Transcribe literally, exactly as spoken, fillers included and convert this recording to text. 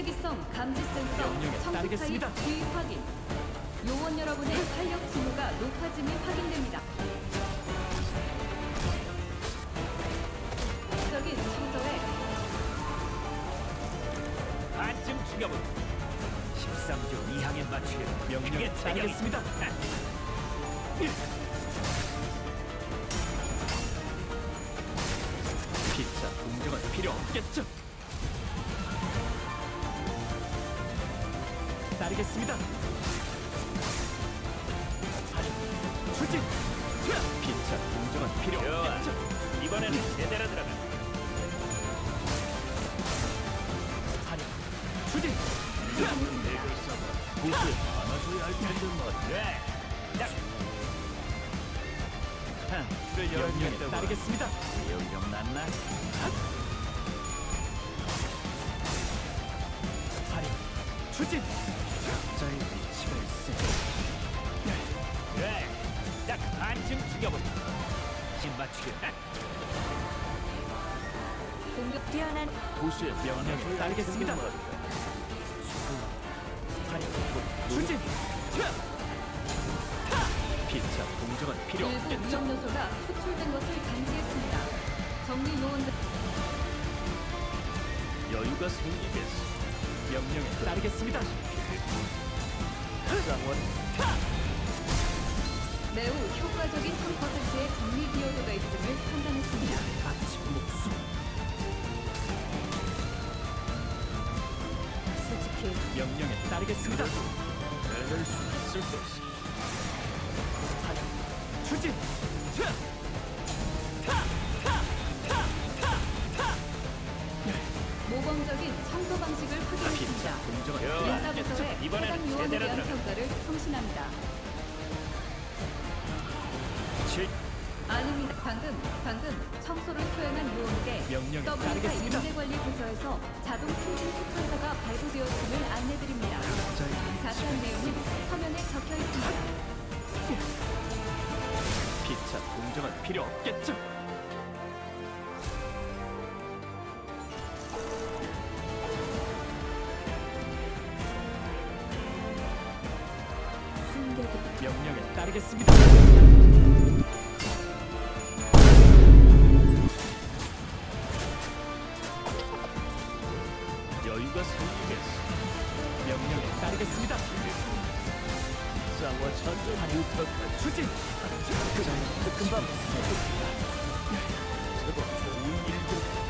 시기성 감지 센서 명령에 청소 따르겠습니다. 타입 주의 확인. 요원 여러분의 활력 징후가 높아짐이 확인됩니다. 적인 청소에 반쯤 죽여본 십삼 조 이항에 맞추려 명령에 따르겠습니다. 피차 공정은 필요 없겠죠. 따르겠습니다. 하리 추진. 피차 공정은 필요 좋아. 없겠죠. 이번에는 제대로 들어가. 하리 추진. 내글 써봐. 보스에 안아줘야 할 텐데 뭐. 그래. 딱. 명령에 따르겠습니다. 영영 났나? 하리 추진. 자의 위치가 있어. 그래. 딱 반쯤 죽여본. 진 맞추게. 공격 뛰어난 도시의 명령에 따르겠습니다. 하리 추진. 피차 공정은 필요 일부 없겠죠. 위험 요소가 추출된 것을 감지했습니다. 정리 요원들 여유가 생기겠어. 명령에 따르겠습니다. 쌍원 매우 효과적인 천 퍼센트의 정리 기여도가 있음을 판단했습니다. 아침 목숨. 솔직히 명령에 따르겠습니다. 해낼 수 있을 것이. 하리 추진. 모범적인 청소 방식을 피차 확인했습니다. 공정은 필요 좋아. 없겠죠. 인사부서의 이번에는 해당 요원에 제대로 대한 들어가. 평가를 송신합니다. 칠. 아닙니다. 방금, 방금 청소를 수행한 요원에게 명령에 더블유사 따르겠습니다. 인재관리부서에서 자동 승진 추천서가 발부되었음을 안내드립니다. 자세한 내용은 서면에 적혀 있습니다. 피차 공정은 필요 없겠죠. 승객이 명령에 따르겠습니다. 여유가 생기겠어. 명령에 따르겠습니다. 쌍원 천전 유턱한 추진. 금방 제법 좋은 일들.